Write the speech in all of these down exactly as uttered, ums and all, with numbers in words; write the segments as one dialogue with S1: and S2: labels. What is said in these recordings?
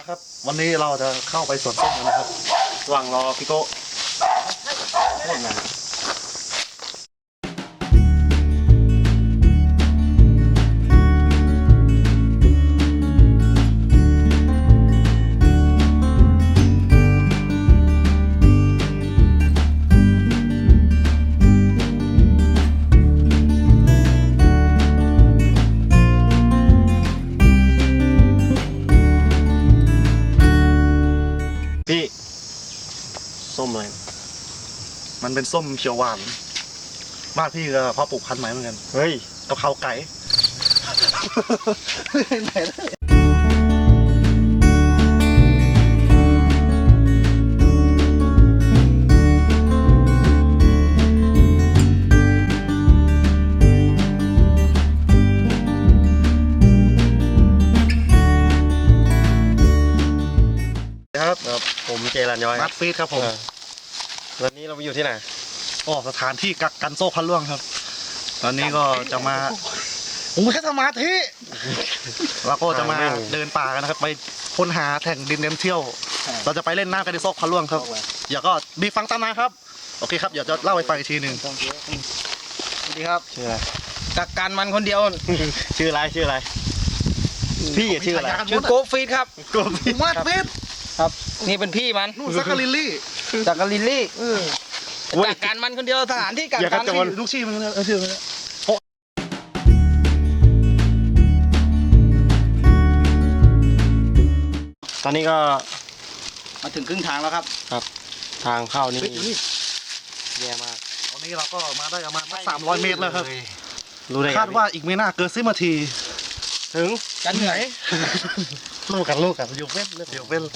S1: นะครับวันนี้เราจะเข้าไปสวนส้มกันนะครับระหว่างรอพี่โก้โคตรงาน
S2: พี่ส้มอะไร
S1: มันเป็นส้มเขียวหวานบ้านพี่ก็เพาะปลูกพันธุ์ใหม่เหมือนกัน
S2: เฮ้ย
S1: กะเพราไก่ไหนได้ครับ
S2: ครับผมเจรัญย้อย
S1: นัดฟีดครับผม
S2: วันนี้เราไปอยู่ที่ไหน
S1: ก็สถานที่กักกันโซ่พันล่วงครับตอนนี้ก็จะมาผมแค่สมาธิเราก็จะมาเดินป่ากันนะครับไปค้นหาแหล่งดินเน้นเที่ยวเราจะไปเล่นน้ำกันในโซ่พันล่วงครับอย่าก็มีฟังตามมาครับโอเคครับเดี๋ยวจะเล่าให้ฟังอีกทีหนึ่งสวัสดีครับ
S2: ชื่ออะไร
S3: กักกันมันคนเดียว
S2: ชื่ออะไรชื่ออะไรพี่ชื่ออะไร
S3: ชื่อโกฟีดครับ
S2: โกฟีด
S1: มาดฟีด
S3: ครับ นี่เป็นพี่มัน
S1: นู่นซักกะลิลลี่
S3: จากกาลิลลี่กักกันมันคนเดียวสถานที่กัก
S2: อย่า
S3: กั
S2: ก
S3: น
S2: ระโจน
S1: ลูกชี้มันเออชื่อมัน
S2: ตอนนี้ก็
S3: มาถึงครึ่งทางแล้วครับ
S2: ครับทางเข้านี่
S1: เฮ้ยอยู่นี่
S2: แย่มาก
S1: ตอนนี้เราก็มาได้ประมาณสามร้อยเมตรแล้วครับ
S2: รู้ได้ไง
S1: คาดว่าอีกไม่น่าเกินสิบนาที
S2: ถึง
S3: กันเหนื่อย
S1: ลูกกันลูกกันอยู่เว้นเดี๋ยวเว้น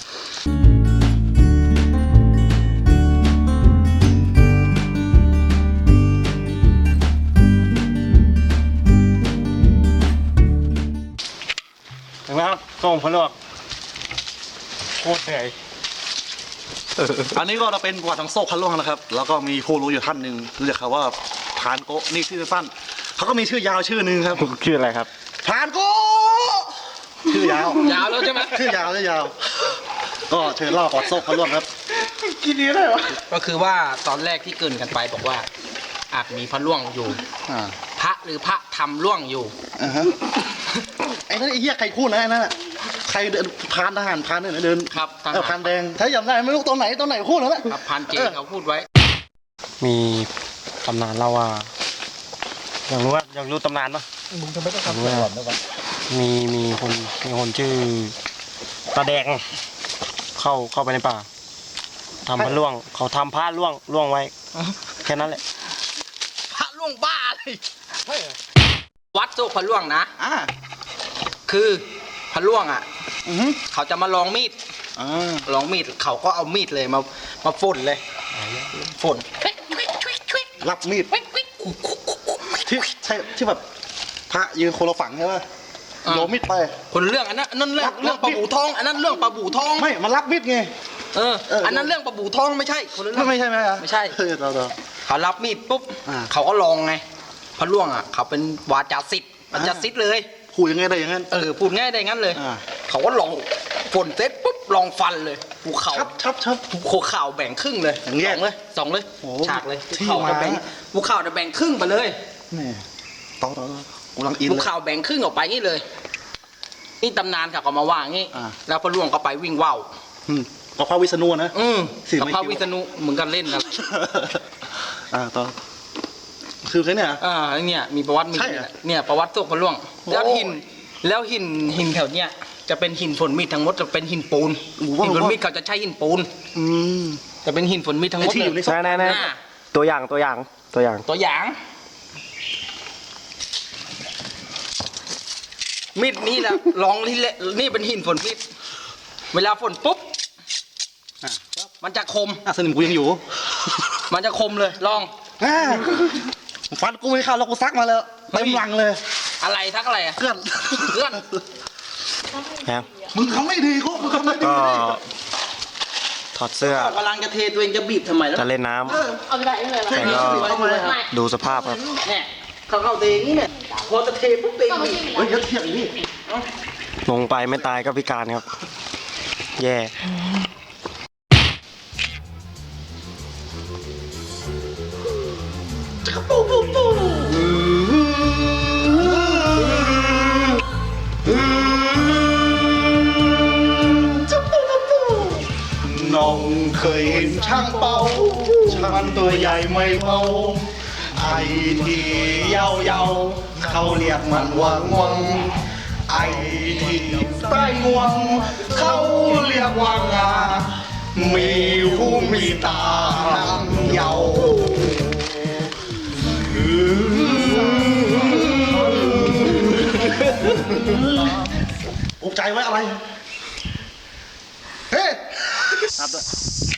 S2: ถึงแล้วครับส้มพะลวกโคตรเหนื่อย
S1: อันนี้ก็เราเป็นประวัติของโซ่พันล่วงนะครับ แล้วก็มีผู้รู้อยู่ท่านหนึ่งรู้จักเขาว่าพรานโกะนี่ชื่อสั้นเขาก็มีชื่อยาวชื่อหนึ่งครับ
S2: ชื่ออะไรครับ
S1: พรานโกะชื่อยาวย
S3: าวแล้วใช่ไหม
S1: ชื่อยาวชื่อยาว ก็เชิญเล่าประวัติโซ่พันล่วงครับกินนี้ได้หรอ
S3: ก็คือว่าตอนแรกที่เกรินกันไปบอกว่าอาจมีพระล่วงอยู่
S1: อ่า
S3: พระหรือพระทำล่วงอยู่
S1: อ่าฮะไอ้นั่นไอ้เหี้ยใครพูดนะไอ้นั่นน่ะใครเดินพรานทหารพรานเนี่ยเดิน
S3: ครับทหาร
S1: เออพรานแดงถ้าจำได้ไม่รู้ตอนไหนตอนไหนพูดแล้วแหละ
S3: ครับพันเจเขาพูดไว้
S2: มีตำนานเล่าว่าอยากรู้ว่าอยากรู้ตำนานปะ
S1: มึงจะไม่ต้องทำก่อนนะวะ
S2: มีมีคนมีคนชื่อตาแดงเข้าเข้าไปในป่าทำพระล่วง เขาทำผ้าล่วงล่วงไว้แค่นั้นแหละ
S3: พระล่วงบ้าเลยวัดโซกพระล่วงนะ
S1: อ่า
S3: คือพระล่วงอ่ะ
S1: อือฮึ
S3: เขาจะมาลองมีด
S1: อ่า
S3: ลองมีดเขาก็เอามีดเลยมามาฝนเลยฝน
S1: รับมีดที่ใช่ที่แบบพระยืนโคลฝังใช่ป่ะโยนมีดไป
S3: คนเรื่องอันนั้นอันนั้นเรื่อง
S1: รับ
S3: เรื่องปลาบูทองอันนั้นเรื่องปลาบูทอง
S1: ไม่มันรับมีดไง
S3: เออ
S1: เอออั
S3: อันนั้นเรื่องปลาบูทองไม่ใช่คนละเรื่
S1: ไม่
S3: อง
S1: ไม่ใช่ไหมอ่ะ
S3: ไม่ใช่
S1: เออเราเรา
S3: เขารับมีดปุ๊บ
S1: อ่า
S3: เขาก็ลองไงพระล่วงอ่ะเขาเป็นวาจาศิษย์วาจาศิษย์เลย
S1: พูดยังไงได้อย่างนั้น
S3: เออพูดง่ายได้งั้นเลย
S1: อ่า
S3: เขาก็ลองฝนเสร็จปุ๊บลองฟันเลยภูเขา
S1: ชับชับชับ
S3: ภูเขาแบ่งครึ่งเลย
S1: อย่างแย
S3: ส
S1: ก
S3: องเลยสองเลย
S1: โอ้
S3: ฉากเลย
S1: ที่
S3: ภูเขา
S1: มา
S3: จะแบ่งภูเขาจะแบ่งครึ่งไปเลย
S1: นี่ต่อต่อต่อกูกำลังอิน
S3: ภู
S1: เลย
S3: เขาแบ่งครึ่งออกไปงี้เลยนี่ตำนานเขาก็มาว่างี้
S1: อ่า
S3: แล้วพระล่วงก็ไปวิ่งว่าว
S1: อืมก็พระวิษณุนะ
S3: อืม
S1: สี่
S3: กับ
S1: ไม่
S3: พระ
S1: คิด
S3: วิษณุเหมือนกันเล่นกัน
S1: อ่าต่อคือแค่เนี้ย
S3: อ่าเนี่ยมีประวัติมี
S1: ใช่เหรอ
S3: เนี่ยประวัติโศกพระล่วง
S1: โอ้
S3: แล้วหินแล้วหินหินแถวเนี้ยจะเป็นหินฝนมีดทั้งหมดจะเป็นหินปูน
S1: โอ้โห
S3: หินฝนมีดเขาจะใช้หินปูน
S1: อืม
S3: จะเป็นหินฝนมีดทั้งหมด
S1: ไอ้ที่อยู่ใน
S3: เลย
S2: แน่แน่
S3: อ่า
S2: ตัวอย่างตัวอย่างตัวอย่าง
S3: ตัวอย่างมีดนี่แหละลองที่เลนี่เป็นหินฝนมีดเวลาฝนปุ๊บ
S1: อ่ะ
S3: มันจะคม
S1: อ่ะสนิมกูยังอยู่
S3: มันจะคมเลยลอง
S1: อ่าฟันกูไม่เข้าแล้วกูซักมาแล้วเต็มหลังเลย
S3: อะไรทักอะไรอะ
S1: เพื่อน
S3: เพื่อน
S2: ครับ
S1: มึงทำไม่ดีกูมึงทำไม่ดี
S2: ก็ถอดเสื้อ
S3: กำลังจะเทตัวเองจะบีบทำไมแล้ว
S2: จะเล่นน้ำ
S4: เอาไปได้เลย
S2: แต่ก็
S4: ไม่
S2: ดูสภาพครับ
S3: เนี่ยเขาเข้าเทอย่างนี้เนี่ยพอจะเทปุ๊บเองบีบ
S1: เฮ้ยอย่าเถียงดิ
S2: ลงไปไม่ตายก็พิการครับแย่
S1: น้องเคยเห็นช่างเป่าช่างตัวใหญ่ไม่เบาไอ้ที่เยาเยาๆเขาเรียกมันว่างวงไอ้ที่ใต้งวงเขาเรียกว่างามีหูมีตาหางเยาอุกใจไว้อะไร เฮ้
S2: ครับด้วย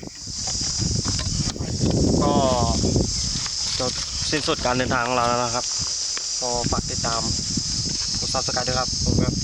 S2: ก็จบสิ้นสุดการเดินทางของเราแล้วนะครับ ก็ฝากติดตามกดซับสไครต์ด้วยครับผมครับ